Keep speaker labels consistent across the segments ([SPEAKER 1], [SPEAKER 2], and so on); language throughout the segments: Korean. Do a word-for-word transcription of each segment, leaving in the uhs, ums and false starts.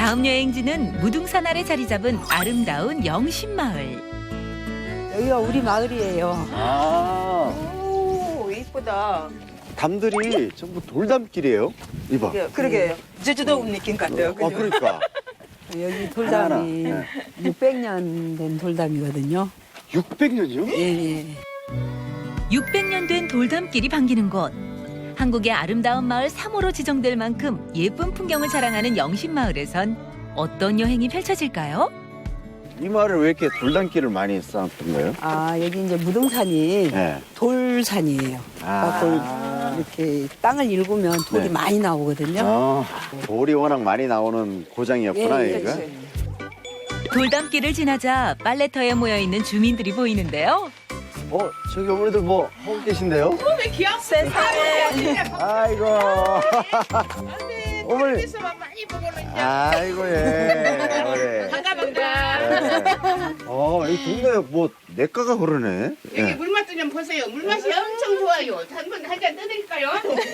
[SPEAKER 1] 다음 여행지는 무등산 아래 자리 잡은 아름다운 영신마을.
[SPEAKER 2] 여기가 우리 마을이에요.
[SPEAKER 3] 아,
[SPEAKER 4] 오, 이쁘다.
[SPEAKER 3] 담들이 전부 돌담길이에요. 이봐.
[SPEAKER 4] 예, 그러게요. 제주도 느낌 같아요.
[SPEAKER 3] 아,
[SPEAKER 4] 그죠?
[SPEAKER 3] 그러니까.
[SPEAKER 2] 여기 돌담이
[SPEAKER 3] 하나하나.
[SPEAKER 2] 육백 년 된 돌담이거든요.
[SPEAKER 3] 육백 년이요?
[SPEAKER 2] 예, 예.
[SPEAKER 1] 육백 년 된 돌담길이 반기는 곳. 한국의 아름다운 마을 삼 호로 지정될 만큼 예쁜 풍경을 자랑하는 영신마을에선 어떤 여행이 펼쳐질까요?
[SPEAKER 3] 이 마을을 왜 이렇게 돌담길을 많이 쌓았던 거예요?
[SPEAKER 2] 아, 여기 이제 무등산이
[SPEAKER 3] 네.
[SPEAKER 2] 돌산이에요.
[SPEAKER 3] 아.
[SPEAKER 2] 그래서 이렇게 땅을 일구면 돌이
[SPEAKER 3] 네.
[SPEAKER 2] 많이 나오거든요.
[SPEAKER 3] 아, 돌이 워낙 많이 나오는 고장이었구나,
[SPEAKER 2] 예, 예,
[SPEAKER 3] 여기가.
[SPEAKER 2] 그렇지.
[SPEAKER 1] 돌담길을 지나자 빨래터에 모여 있는 주민들이 보이는데요.
[SPEAKER 3] 어, 저기 어머니들 뭐 하고 계신데요?
[SPEAKER 4] 왜 귀엽세?
[SPEAKER 3] 아이고. 어머니.
[SPEAKER 4] 많이 보고는
[SPEAKER 3] 아이고, 예. 어머니.
[SPEAKER 4] 반가 반가.
[SPEAKER 3] 어, 이 동네에 뭐 내과가 그러네.
[SPEAKER 5] 여기
[SPEAKER 3] 예.
[SPEAKER 5] 물맛 좀 보세요. 물맛이 엄청 좋아요. 한번 한 잔 떠드릴까요?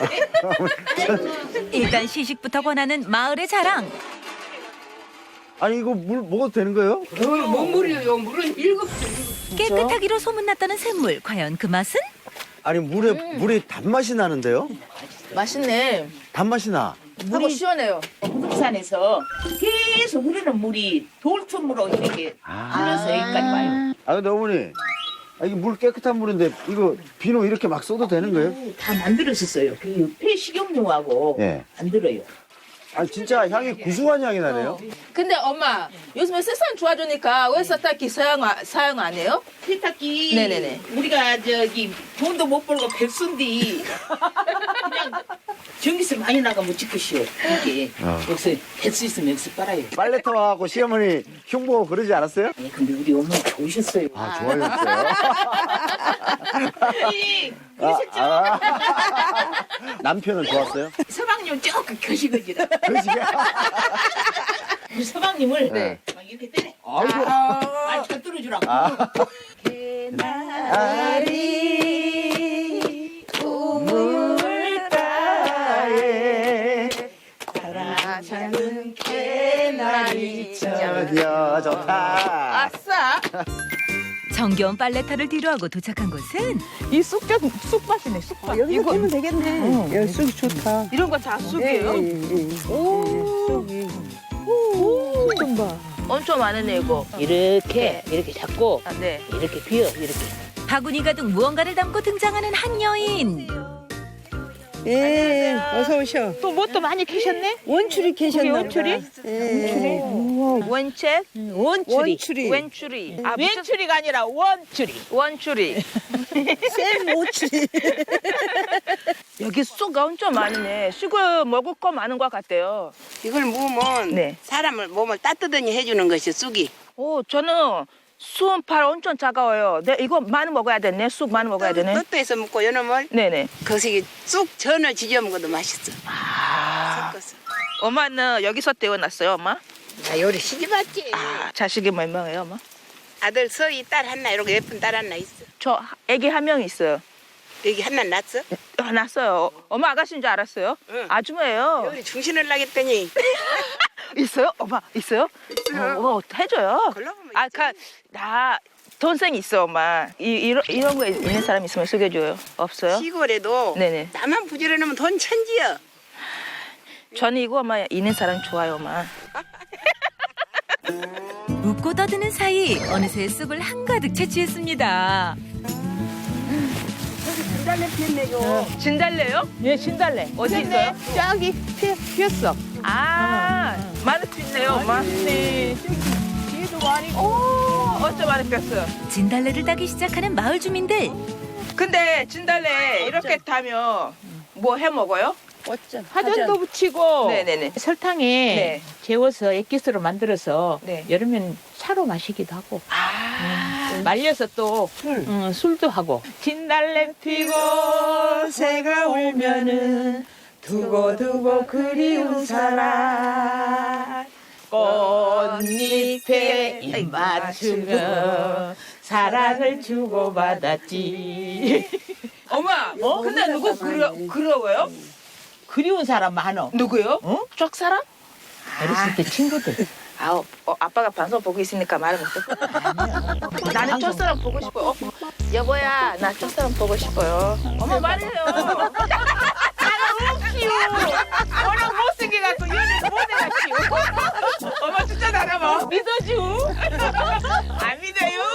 [SPEAKER 1] 일단 시식부터 권하는 마을의 자랑.
[SPEAKER 3] 아니, 이거 물 먹어도 되는 거예요?
[SPEAKER 5] 어, 뭔 물이에요? 물은 일곱 줄.
[SPEAKER 1] 깨끗하기로 소문났다는 샘물. 과연 그 맛은?
[SPEAKER 3] 아니, 물에, 물이 단맛이 나는데요?
[SPEAKER 4] 맛있네.
[SPEAKER 3] 단맛이 나.
[SPEAKER 4] 하고 시원해요.
[SPEAKER 5] 부산에서 계속 흐르는 물이 돌틈으로 이렇게 흘러서 여기까지 와요.
[SPEAKER 3] 아, 근데 어머니. 아, 이게 물 깨끗한 물인데 이거 비누 이렇게 막 써도 되는 거예요?
[SPEAKER 5] 다 만들었었어요. 그 폐식용유하고
[SPEAKER 3] 예.
[SPEAKER 5] 만들어요.
[SPEAKER 3] 아, 진짜 향이 구수한 향이 나네요.
[SPEAKER 4] 근데 엄마, 요즘에 세상 좋아지니까 왜 세탁기 사용, 안- 사용 안 해요?
[SPEAKER 5] 세탁기
[SPEAKER 4] 네네네.
[SPEAKER 5] 우리가 저기 돈도 못 벌고 백순디 그냥 전기세 많이 나가면 찍으시오. 이게
[SPEAKER 3] 어.
[SPEAKER 5] 여기서 될 수 있으면 여기서 빨아요.
[SPEAKER 3] 빨래터하고 시어머니 흉보고 그러지 않았어요?
[SPEAKER 5] 예, 근데 우리 어머니 좋으셨어요.
[SPEAKER 3] 아, 좋아졌어요.
[SPEAKER 5] 예,
[SPEAKER 3] 아,
[SPEAKER 5] 그러셨죠?
[SPEAKER 3] 아. 남편은 좋았어요?
[SPEAKER 5] 서방님 조금 거시거지라.
[SPEAKER 3] 그러시게?
[SPEAKER 5] 우리 서방님을
[SPEAKER 3] 네.
[SPEAKER 5] 막 이렇게 때려.
[SPEAKER 3] 아이고.
[SPEAKER 5] 아, 저 떨어주라고.
[SPEAKER 3] 아.
[SPEAKER 5] 개나리 우물가에 사랑하는 개나리
[SPEAKER 3] 전혀 좋다.
[SPEAKER 4] 아싸!
[SPEAKER 1] 정겨운 빨래터를 뒤로하고 도착한 곳은
[SPEAKER 4] 이 쑥젓, 쑥밭이네, 쑥밭.
[SPEAKER 2] 여기서 보면 되겠네. 여기 쑥이 좋다.
[SPEAKER 4] 이런 거 다 쑥이에요?
[SPEAKER 2] 예, 예, 예.
[SPEAKER 4] 오,
[SPEAKER 2] 쑥이.
[SPEAKER 4] 쑥 좀 봐. 엄청 많으네, 이거.
[SPEAKER 5] 이렇게 이렇게 잡고
[SPEAKER 4] 아, 네.
[SPEAKER 5] 이렇게 비어 이렇게.
[SPEAKER 1] 바구니 가득 무언가를 담고 등장하는 한 여인.
[SPEAKER 2] 예, 어서 오셔.
[SPEAKER 4] 또 뭐 또 많이 캐셨네?
[SPEAKER 2] 원추리 계셨나 보다.
[SPEAKER 4] 원추리?
[SPEAKER 2] 예.
[SPEAKER 4] 원책?
[SPEAKER 2] 원추리. 원추리.
[SPEAKER 4] 웬추리. 아, 웬추리가 아니라 원추리. 원추리.
[SPEAKER 2] 쌤 오추리.
[SPEAKER 4] 여기 쑥 엄청 많으네. 쑥을 먹을 거 많은 것 같아요.
[SPEAKER 6] 이걸 모으면
[SPEAKER 4] 네.
[SPEAKER 6] 사람을 몸을 따뜻하니 해주는 것이 쑥이.
[SPEAKER 4] 오, 저는 수은팔 엄청 차가워요. 네, 이거 많이 먹어야 되네. 쑥 많이 먹어야 되네.
[SPEAKER 6] 뜻도에서 먹고 요놈을
[SPEAKER 4] 네네.
[SPEAKER 6] 거기 쑥 전을 지져 먹어도 맛있어.
[SPEAKER 4] 아,
[SPEAKER 6] 섞어서.
[SPEAKER 4] 엄마는 여기서 태어났어요, 엄마?
[SPEAKER 6] 나 요리 시집왔지.
[SPEAKER 4] 아, 자식이 몇 명이에요, 엄마?
[SPEAKER 6] 아들 서희 딸 하나 이렇게 예쁜 딸 하나 있어.
[SPEAKER 4] 저 애기 한 명 있어요.
[SPEAKER 6] 여기 하나 낳았어?
[SPEAKER 4] 아, 났어요. 엄마 아가씨인 줄 알았어요?
[SPEAKER 6] 응.
[SPEAKER 4] 아줌마예요.
[SPEAKER 6] 요리 중신을 나겠더니
[SPEAKER 4] 있어요? 엄마 있어요?
[SPEAKER 6] 있어요.
[SPEAKER 4] 어, 어, 해줘요.
[SPEAKER 6] 골라보면
[SPEAKER 4] 아,
[SPEAKER 6] 있지.
[SPEAKER 4] 가, 나 동생 있어, 엄마. 이, 이런, 이런 거 있는 사람 있으면 소개줘요. 없어요?
[SPEAKER 6] 시골에도
[SPEAKER 4] 네네.
[SPEAKER 6] 나만 부지런하면 돈 천지야.
[SPEAKER 4] 저는 이거 엄마 있는 사람 좋아요, 엄마.
[SPEAKER 1] 웃고 떠드는 사이 어느새 쑥을 한가득 채취했습니다.
[SPEAKER 6] 진달래 피었네요.
[SPEAKER 4] 진달래요?
[SPEAKER 7] 예, 신달래.
[SPEAKER 4] 어디 있어요?
[SPEAKER 7] 저기 피, 피었어.
[SPEAKER 4] 아, 많이 피네요, 엄마.
[SPEAKER 7] 네, 저기 뒤에도 많이.
[SPEAKER 4] 오, 어쩜 많이 폈어요.
[SPEAKER 1] 진달래를 따기 시작하는 마을 주민들.
[SPEAKER 4] 근데 진달래 이렇게 타면 뭐 해 먹어요?
[SPEAKER 2] 어쩜.
[SPEAKER 7] 화전도 붙이고
[SPEAKER 4] 네네네.
[SPEAKER 7] 설탕에
[SPEAKER 4] 네.
[SPEAKER 7] 재워서 액기스로 만들어서
[SPEAKER 4] 네.
[SPEAKER 7] 여름엔 차로 마시기도 하고
[SPEAKER 4] 아,
[SPEAKER 7] 말려서 또
[SPEAKER 2] 술.
[SPEAKER 7] 어, 술도 하고. 진달래 피고 새가 울면은 두고두고 그리운 사람 꽃잎에 입 맞추며 사랑을 주고받았지.
[SPEAKER 4] 엄마, 근데 누구 그려, 그려워요?
[SPEAKER 7] 그리운 사람 많어.
[SPEAKER 4] 누구요?
[SPEAKER 7] 어?
[SPEAKER 4] 쪽 사람?
[SPEAKER 7] 어렸을 때 친구들.
[SPEAKER 4] 아우, 어, 아빠가 방송 보고 있으니까 말을 못해. 나는 첫사랑 보고 싶어요. 어, 여보야, 나 첫사랑 보고 싶어요. 어머 말해요. 나는 없지요. 워낙 못생겨 갖고 연애 못 해갔지요. 엄마 진짜 나라봐. 믿어줘. 안 믿어요?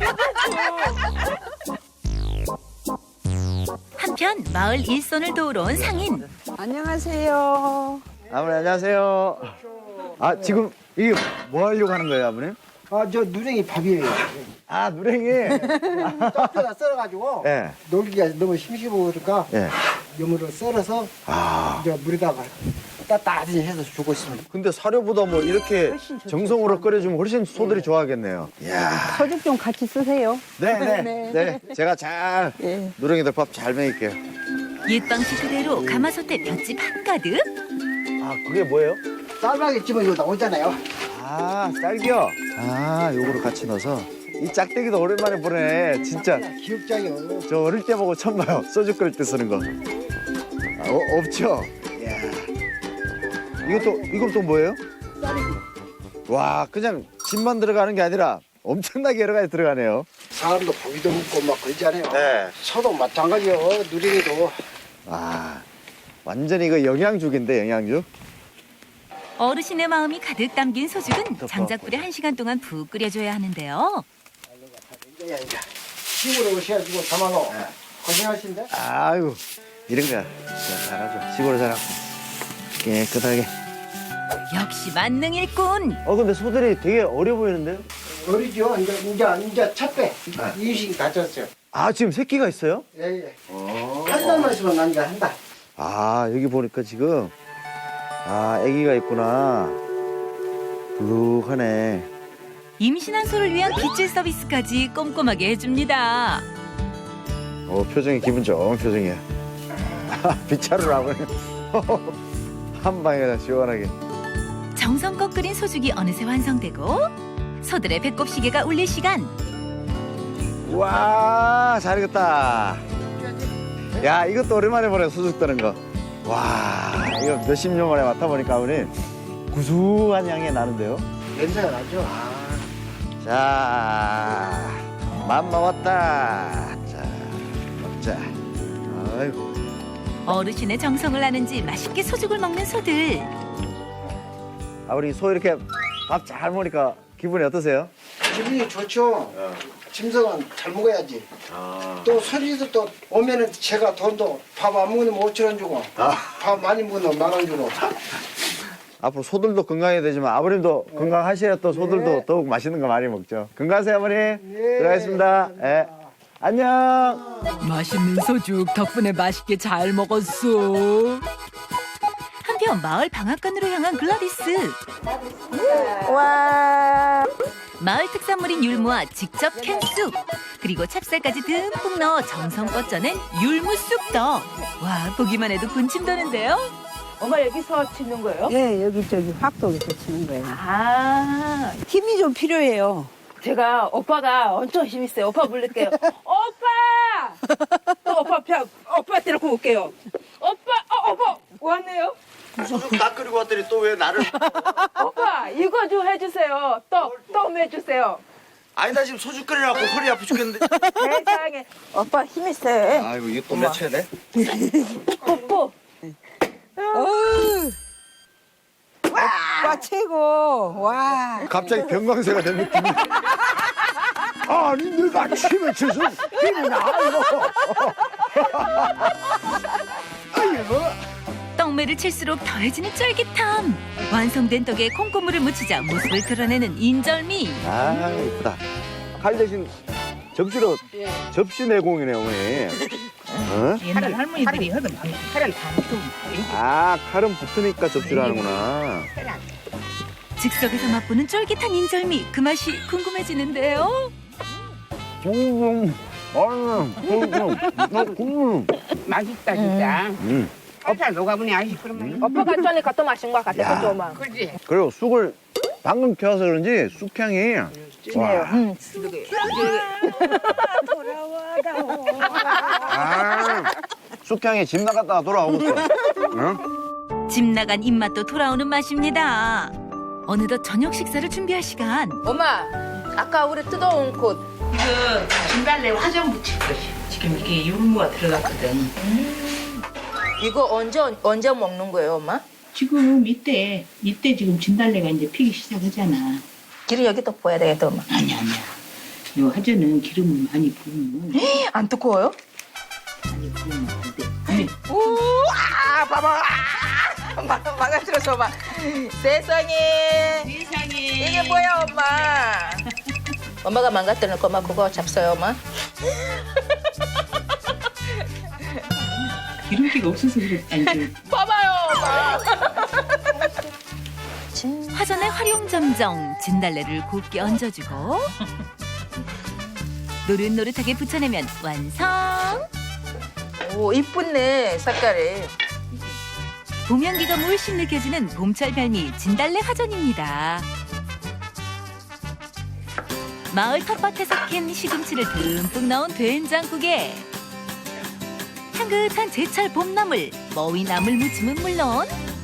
[SPEAKER 1] 한편 마을 일손을 도우러 온 상인.
[SPEAKER 2] 안녕하세요.
[SPEAKER 3] 아버님 안녕하세요. 아 지금 이게 뭐 하려고 하는 거예요, 아버님?
[SPEAKER 8] 아, 저 누렁이 밥이에요.
[SPEAKER 3] 아 누렁이.
[SPEAKER 8] 쪄다 썰어가지고
[SPEAKER 3] 예.
[SPEAKER 8] 놀기가 너무 심심하고 그러니까
[SPEAKER 3] 예.
[SPEAKER 8] 염으로 썰어서
[SPEAKER 3] 아.
[SPEAKER 8] 이제 물에다가 따뜻하게 해서 주고 있습니다.
[SPEAKER 3] 근데 사료보다 뭐 이렇게 정성으로 끓여주면 훨씬 소들이 좋아하겠네요. 이야.
[SPEAKER 2] 서죽 좀 같이 쓰세요.
[SPEAKER 3] 네네. 네. 제가 잘
[SPEAKER 2] 예.
[SPEAKER 3] 누렁이들 밥 잘 먹일게요.
[SPEAKER 1] 옛 방식 그대로 가마솥에 볏짚 한가득.
[SPEAKER 3] 아 그게 뭐예요?
[SPEAKER 8] 쌀방에 집어 이거 나오잖아요.
[SPEAKER 3] 아 쌀기요. 아 요거를 같이 넣어서. 이 짝대기도 오랜만에 보네. 진짜
[SPEAKER 8] 기억장이요.
[SPEAKER 3] 저 어릴 때 보고 처음 봐요. 소주 끓일 때 쓰는 거. 아, 어, 없죠? 이야. 이것도 이건 또 뭐예요? 와 그냥 집만 들어가는 게 아니라 엄청나게 여러 가지 들어가네요.
[SPEAKER 8] 사람도 고기도 먹고 막 그러잖아요.
[SPEAKER 3] 네.
[SPEAKER 8] 소도 마찬가지요. 누렁이도.
[SPEAKER 3] 아 완전히 이거 영양죽인데 영양죽.
[SPEAKER 1] 어르신의 마음이 가득 담긴 소죽은 장작불에 한 시간 동안 푹 끓여줘야 하는데요.
[SPEAKER 8] 이제 이제 시골에 오셔가지고 담아놓. 고생하신데.
[SPEAKER 3] 아이고 이런 거 진짜 잘하죠. 시골에 살았고 깨끗하게.
[SPEAKER 1] 역시 만능 일꾼.
[SPEAKER 3] 어 근데 소들이 되게 어려 보이는데요?
[SPEAKER 8] 어리죠. 이제 이제 이제 첫 배. 이유식 다쳤어요.
[SPEAKER 3] 아 지금 새끼가 있어요?
[SPEAKER 8] 예예. 한 달만 있으면 난이가 한다.
[SPEAKER 3] 아 여기 보니까 지금 아 아기가 있구나. 불룩하네.
[SPEAKER 1] 임신한 소를 위한 빗질 서비스까지 꼼꼼하게 해줍니다.
[SPEAKER 3] 어 표정이 기분 좋은 표정이야. 빗자루를 하고 한 방에 다 시원하게.
[SPEAKER 1] 정성껏 끓인 소죽이 어느새 완성되고 소들의 배꼽시계가 울릴 시간.
[SPEAKER 3] 와 잘익었다. 야 이것도 오랜만에 보네 소죽 뜨는 거. 와 이거 몇십 년 만에 맡아보니까 우리 구수한 향이 나는데요.
[SPEAKER 8] 냄새가 나죠.
[SPEAKER 3] 자, 맘 먹었다. 자, 먹자. 아이고.
[SPEAKER 1] 어르신의 정성을 아는지 맛있게 소죽을 먹는 소들.
[SPEAKER 3] 아, 우리 소 이렇게 밥 잘 먹으니까 기분이 어떠세요?
[SPEAKER 8] 기분이 좋죠. 짐승은 잘 먹어야지. 또 소리도 또 오면은 제가 돈도 밥 안 먹으면 오천 원 주고 밥 많이 먹으면 만 원 주고.
[SPEAKER 3] 앞으로 소들도 건강해야 되지만 아버님도 건강하셔야 또 소들도
[SPEAKER 8] 네.
[SPEAKER 3] 더욱 맛있는 거 많이 먹죠. 건강하세요, 어머니.
[SPEAKER 8] 예,
[SPEAKER 3] 들어가겠습니다. 예. 안녕.
[SPEAKER 1] 맛있는 소죽 덕분에 맛있게 잘 먹었어. 한편 마을 방앗간으로 향한 글라디스.
[SPEAKER 2] 와.
[SPEAKER 1] 마을 특산물인 율무와 직접 캔 쑥, 그리고 찹쌀까지 듬뿍 넣어 정성껏 쪄낸 율무 쑥떡. 와, 보기만 해도 군침 도는데요.
[SPEAKER 4] 엄마 여기서 치는 거예요?
[SPEAKER 2] 예, 여기 저기 확도에서 치는 거예요.
[SPEAKER 4] 아,
[SPEAKER 2] 힘이 좀 필요해요.
[SPEAKER 4] 제가 오빠가 엄청 힘이 세요. 오빠 부를게요. 오빠! 또 오빠 펴, 오빠한테 놓고 올게요. 오빠, 어, 오빠 왔네요.
[SPEAKER 3] 소죽 다 끓이고 왔더니 또 왜 나를.
[SPEAKER 4] 오빠 이거 좀 해주세요. 또, 또 해주세요.
[SPEAKER 3] 아니, 나 지금 소죽 끓이라고 허리 아파 죽겠는데.
[SPEAKER 4] 세상에. 오빠 힘이 세.
[SPEAKER 3] 아이고, 이거 또 맺혀야 돼?
[SPEAKER 4] 뽀뽀.
[SPEAKER 2] 어우. 와, 최고. 와.
[SPEAKER 3] 갑자기 병광세가 된 느낌이. 아니, 내가 침에 쳐서 힘이 나, 이거. 아이고.
[SPEAKER 1] 떡매를 칠수록 더해지는 쫄깃함. 완성된 떡에 콩고물을 묻히자 모습을 드러내는 인절미.
[SPEAKER 3] 아, 이쁘다. 칼 대신 접시로, 접시 내공이네, 어머니. 어?
[SPEAKER 7] 옛날 할머니들이 하던 칼을 다 먹고.
[SPEAKER 3] 아, 칼은 붙으니까 접시로 하는구나.
[SPEAKER 1] 즉석에서 맛보는 쫄깃한 인절미. 그 맛이 궁금해지는데요.
[SPEAKER 3] 음, 아유, 음, 음,
[SPEAKER 6] 맛있다 진짜.
[SPEAKER 3] 음.
[SPEAKER 6] 살살 녹아보니 아이스크림.
[SPEAKER 4] 오빠가 전에 또 마신 것 같아.
[SPEAKER 3] 야.
[SPEAKER 4] 조금만.
[SPEAKER 6] 그렇지.
[SPEAKER 3] 그리고 쑥을 방금 켜서 그런지 쑥향이. 와. 아, 쑥향이 집 나갔다가 돌아오고 있어. 응?
[SPEAKER 1] 집 나간 입맛도 돌아오는 맛입니다. 어느덧 저녁 식사를 준비할 시간.
[SPEAKER 4] 엄마, 아까 우리 뜯어온 꽃.
[SPEAKER 5] 이거 진달래 화장 붙일 것이. 지금 이게 유무가 들어갔거든.
[SPEAKER 4] 이거 언제 언제 먹는 거예요, 엄마?
[SPEAKER 5] 지금 이때 이때 지금 진달래가 이제 피기 시작하잖아.
[SPEAKER 4] 기름 여기다 부어야 되겠다, 엄마.
[SPEAKER 5] 아니 아니야. 요 화전은 기름을 많이 부으면
[SPEAKER 4] 안 뜨거워요?
[SPEAKER 5] 많이 부으면 안 돼. 아니,
[SPEAKER 4] 우, 아, 봐봐. 아, 막, 망가뜨려서 봐. 세상에.
[SPEAKER 5] 세상에.
[SPEAKER 4] 이게 뭐야, 엄마? 엄마가 망가뜨리는 거, 엄마 그거 잡숴요, 엄마.
[SPEAKER 5] 기름기가 없어서 그랬다니.
[SPEAKER 4] 봐봐요, 엄마.
[SPEAKER 1] 화전에 활용점정 진달래를 곱게 얹어주고 노릇노릇하게 붙여내면 완성.
[SPEAKER 4] 오, 이쁘네, 색깔이.
[SPEAKER 1] 봄 향기가 물씬 느껴지는 봄철 별미 진달래 화전입니다. 마을 텃밭에서 캔 시금치를 듬뿍 넣은 된장국에 향긋한 제철 봄나물, 머위나물 무침은 물론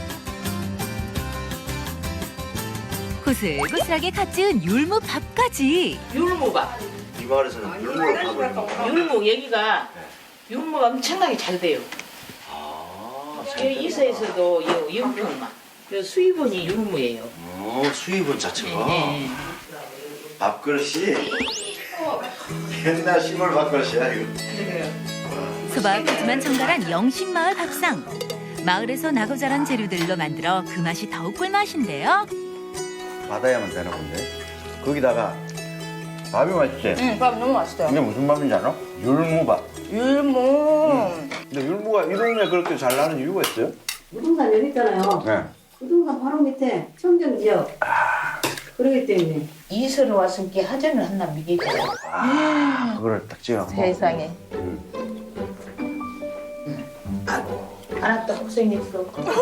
[SPEAKER 1] 고슬고슬하게 갓 지은 율무밥까지.
[SPEAKER 5] 율무가.
[SPEAKER 3] 이 마을에서는 율무를 파고 있는 거.
[SPEAKER 5] 율무 여기가 율무가 엄청나게 잘 돼요.
[SPEAKER 3] 아,
[SPEAKER 5] 여기 이서에서도 이 연평만. 요 수입원이 율무예요.
[SPEAKER 3] 어, 수입은 자체가
[SPEAKER 5] 네.
[SPEAKER 3] 밥그릇이 옛날 시골 밥그릇이야 이거.
[SPEAKER 1] 소박하지만 정갈한 영신마을 밥상. 마을에서 나고 자란 재료들로 만들어 그 맛이 더욱 꿀맛인데요.
[SPEAKER 3] 받아야만 되나 본데. 거기다가 밥이 맛있지?
[SPEAKER 4] 응, 밥 너무 맛있어요.
[SPEAKER 3] 이게 무슨 밥인지 알아? 율무밥.
[SPEAKER 4] 율무.
[SPEAKER 3] 근데 율무가 이 동네에 그렇게 잘 나는 이유가 있어요?
[SPEAKER 9] 부동산 여기 있잖아요.
[SPEAKER 3] 네.
[SPEAKER 9] 부동산 바로 밑에 청정지역. 그러기 때문에.
[SPEAKER 5] 이서로 왔으니까 하전을 한나 미기죠.
[SPEAKER 3] 아, 그거를 딱 찍어.
[SPEAKER 4] 세상에.
[SPEAKER 5] 알았다, 고생했어.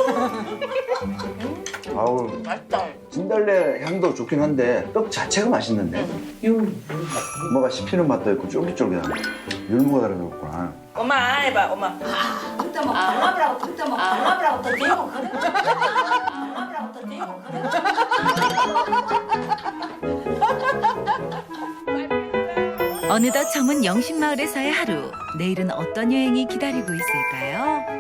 [SPEAKER 3] 아우,
[SPEAKER 4] 맛있다.
[SPEAKER 3] 진달래 향도 좋긴 한데 떡 자체가 맛있는데
[SPEAKER 5] 율무.
[SPEAKER 3] 뭐가 씹히는 맛도 있고 쫄깃쫄깃한 율무가 들어갔구나.
[SPEAKER 4] 엄마, 해봐, 엄마.
[SPEAKER 9] 그때 뭐 발라브라고 그때 뭐 발라브라고 또 대고 그래. 발라브라고 또 대고 그래.
[SPEAKER 1] 어느덧 저문 영신마을에서의 하루. 내일은 어떤 여행이 기다리고 있을까요?